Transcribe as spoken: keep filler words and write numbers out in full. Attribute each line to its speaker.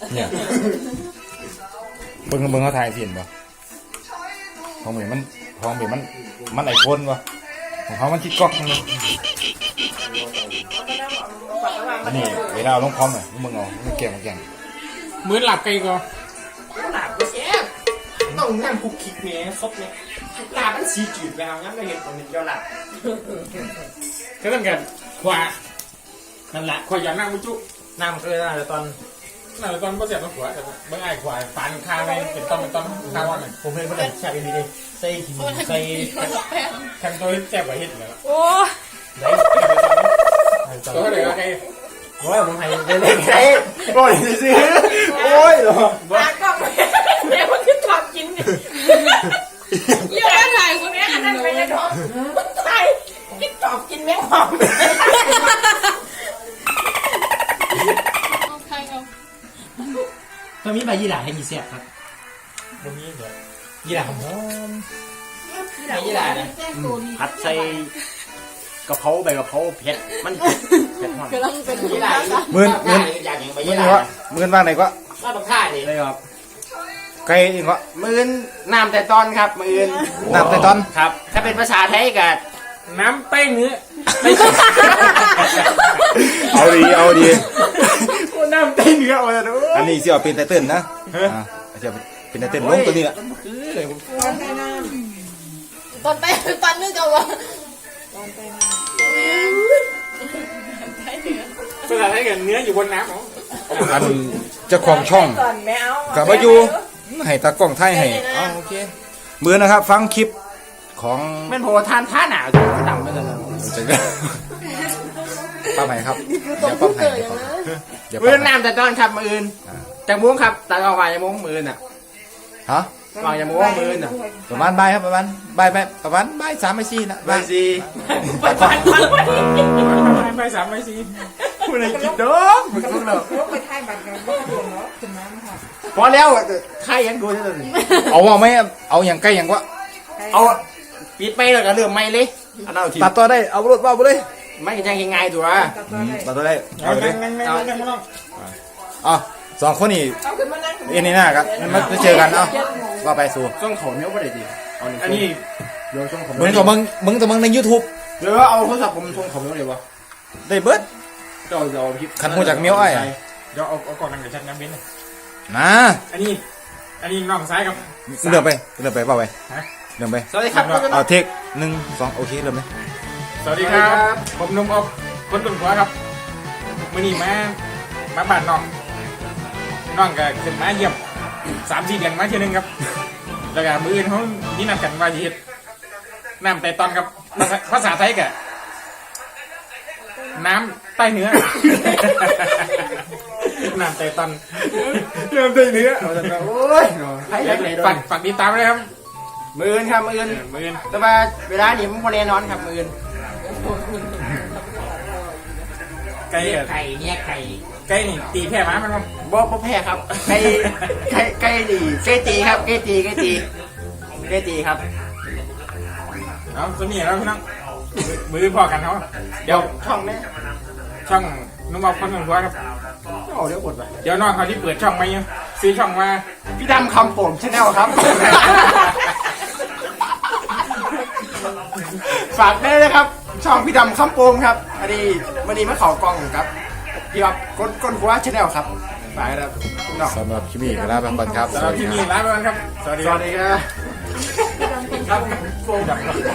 Speaker 1: เนี่ยเบิ่งเบิ่งเขาถ่ายเสียนป่ะของเหมือนมันของเหมือนมันมันไอโฟนป่ะของเขามันชิดก๊อกนึงนี่เวลาเอาลงพร้อมหน่อยมึงเอามึงเก่งมึงเก่ง
Speaker 2: เหมือนหลับไกลก็
Speaker 3: หลับก็แซ่บต้องนั่งคุกคิกเนี้ยซบเนี้ยหลับมันสีจืดแล้วงั้นเราเห็นตรงนี้เราหลับ
Speaker 2: ก็ต้องกันขวานั่นแหละขวาอย่างนั่งมุจุ
Speaker 3: นั่งเคยนั่งแต่ตอน
Speaker 2: นั่นตอนก็เสียบมาขวาแต่เมื่อไอ้ขวาฟันคาไปเป็นต้นเป็นต้นคาว่าหนึ่ง
Speaker 3: ผมเป็นคนเด็กชาบินดีใส่หินใส่
Speaker 2: แข่งตัวแจ็บกว่าเห็ดเลย
Speaker 4: โอ้
Speaker 2: ตัวเด็กก็ไกล
Speaker 3: โอ้ยผมให้เล่นไงโอ้ยซื้อโอ้ยเหรอ
Speaker 4: ตากล้องแม่คนที่ชอบกินเนี่ยเยอะถ่ายคนนี้อันนั้นไปเลยท้องถ่ายกินชอบกินแมงหอมใครเอา
Speaker 3: ตอนนี้ใบยี่หร่าให้กี่เสียบครับ
Speaker 2: ตรงนี้เหรอ
Speaker 3: ยี่หร่าหอมใบยี่หร่านะผัดใส่กะเพราใบกะเพราเผ็ดมันเผ็ดหอม
Speaker 4: กำลังเป็น
Speaker 3: ยี่หร่า
Speaker 1: หมื่นหมื่น
Speaker 3: อยากอย่างใบ
Speaker 1: หมื่
Speaker 3: ยี่
Speaker 1: น
Speaker 3: ห
Speaker 1: นี่
Speaker 3: ร่าว
Speaker 1: ะหมื่นบ้างไหนก็
Speaker 3: ว่าต้องฆ่าดิเลยครับ
Speaker 1: ไกลอีกวะ
Speaker 3: มือนน้ำแต่ตอนครับมือน
Speaker 1: น้ำแต่ตอน
Speaker 3: ครับ ถ้าเป็นภาษาไทยก็
Speaker 2: น้ำเต้เนื้อ
Speaker 1: เอาดีเอาดี
Speaker 3: น้ำเต้เนื้อมาดู
Speaker 1: อันนี้เสี่ยวเป็นไตเติ้ลนะอ่าเสี่ยวเป็นไตเติ้ลลงตัวนี้แหละ
Speaker 3: คือเลยผม
Speaker 4: ตอนไปตอนนึกเอาวะ
Speaker 2: ภาษาไทยกันเนื้ออยู่บนน้ำของ
Speaker 1: อันเจ้าของช่อง
Speaker 4: ก่อนแมว
Speaker 1: กับมาอยู่ให้ตากล้องไทยให้อ๋อโอเคเบื่อนะครับ ฟังคลิปของ
Speaker 3: แม่นโพทานท่าหนาวจะดำไปเลย
Speaker 1: จะป้าไหนครับเดี๋ยวป้าไหนเดี๋ยว
Speaker 3: มื
Speaker 1: ป้า
Speaker 3: อน
Speaker 1: ไหน
Speaker 3: น้ำแต่ตอนครับมือนจากมุ้งครับตัดออกมาจากมุ้งมือนอ่ะ
Speaker 1: ฮะ
Speaker 3: วางจากมุ้งมือนอ่ะ
Speaker 1: ประมาณบ่ายครับประมาณบ่ายบ่ายประมาณบ่ายสามบ่ายสี่นะ
Speaker 3: ไป
Speaker 1: บ่าย
Speaker 3: สิ
Speaker 4: ไปฟันฟันฟัน
Speaker 2: ไปสามไปสี่
Speaker 3: คุณอะไรกินดอกมึงต้องเลิก
Speaker 4: ไปถ่ายบัตรกันว่าโดนเนาะถึงน้ำค่ะ
Speaker 3: พอแล้วใครยังดูจะเลย
Speaker 1: เอาว่าไหมเอาอย่างใกล้อย่างวะ
Speaker 3: เอาปิดไม่แล้วก็เรื่องไม่เลยอันนั้นที
Speaker 1: ตัดตัวได้เอารถว่าไปเลย
Speaker 3: ไม่ยังยังไงตัว
Speaker 1: ตัดตัวได้
Speaker 2: เอา
Speaker 1: เอาเล
Speaker 2: นั่
Speaker 1: ย
Speaker 2: งนั่งนั่งนั่งนั่ง
Speaker 1: อ๋อสองคนนี่
Speaker 4: เอาขึ้นมานั่ง
Speaker 1: เอ็นนี่หน้าครับมันมาเจอกันเนาะว่าไปสู่
Speaker 3: ช่องเขาเนี้ยไม่ได้ดี
Speaker 2: อันนี้
Speaker 3: เดี๋ยวช่องเขา
Speaker 1: มึงกับมึงมึงกับมึงใน YouTube
Speaker 3: เดี๋ยวเอาโทรศัพท์ผมช่องเขาเนี้ยเลยวะ
Speaker 1: ได้เบิด
Speaker 3: เดี๋ยวเราคลิป
Speaker 1: คันหูจากเมียวไอ้
Speaker 2: เดี๋ยวเอาเอากล่องนั่งกับชัดน้ำเบน
Speaker 1: นะ
Speaker 2: อันนี้อันนี้น้องซ้ายกับ
Speaker 1: เริ่มไปเริ่มไปเปล่าไป
Speaker 2: ฮะ
Speaker 1: เริ่มไป
Speaker 3: สวัสดีครับ
Speaker 1: เอาเทคหนึ่งสองโอเคเริ่มเลย
Speaker 2: สวัสดีครับผมนุ่มอบคนตุ่นหัวครับมื่อนี้มามาบ้านน้องน้องก็ขึ้นมาเยี่ยมสามสี่เดือนมาเทีนึงครับแล้วก็มืออื่นเขานี่นำกันว่าจะเฮ็ดน้ำแต่ตอนครับภาษาไทยกะน้ำใต้เนื้อ น้ำแต่ตอนน้ำใต้เนื้อ
Speaker 3: โอ้ยให้ยังไงด้ว
Speaker 2: ฝาย กฝากติดตามเลยครับ
Speaker 3: มือนครับมือน
Speaker 2: มืออื่น
Speaker 3: แต่ว่าเวลานี้มันพอแน่นอนครับมือน
Speaker 2: ไก่กับ
Speaker 3: ไก่เนี่ยไก่
Speaker 2: ไก่นี่ตีแพ้หมามันครับ
Speaker 3: บ่บ่แพ้ครับไก่ไก่ไก่ดีไก่ตีครับไก่ตีไก่ตีไก่ตีครับ
Speaker 2: เอาตัวนี้แล้วพี่น้องมืออื่นพอกันเขาเดี๋ยว
Speaker 3: ช่องนี้
Speaker 2: ช่องนุ่มอบคนตุ่นหัวครับ
Speaker 3: โอ้เดี๋ยวกดไป
Speaker 2: เดี๋ยวน้องเขาที่เปิดช่องมาอยู่ซื้อช่องมา
Speaker 3: พี่ดำคำโป่งชาแนลครับ ฝากได้เลยครับ ช่องพี่ดำคำโป่งครับอันนี้วันนี้มาเข่ากล้องครับพี่ครับก้นก้นหัวชาแนลครับฝากนะครับน้อง
Speaker 1: สำหรับคลิปนี้ก็ลาไปก่อนครับ
Speaker 2: สำหรับที่นี่ลาไปก่อนครับ สวัสดี
Speaker 3: ส
Speaker 2: ครั
Speaker 3: วั
Speaker 2: บ
Speaker 3: สดีครับครับ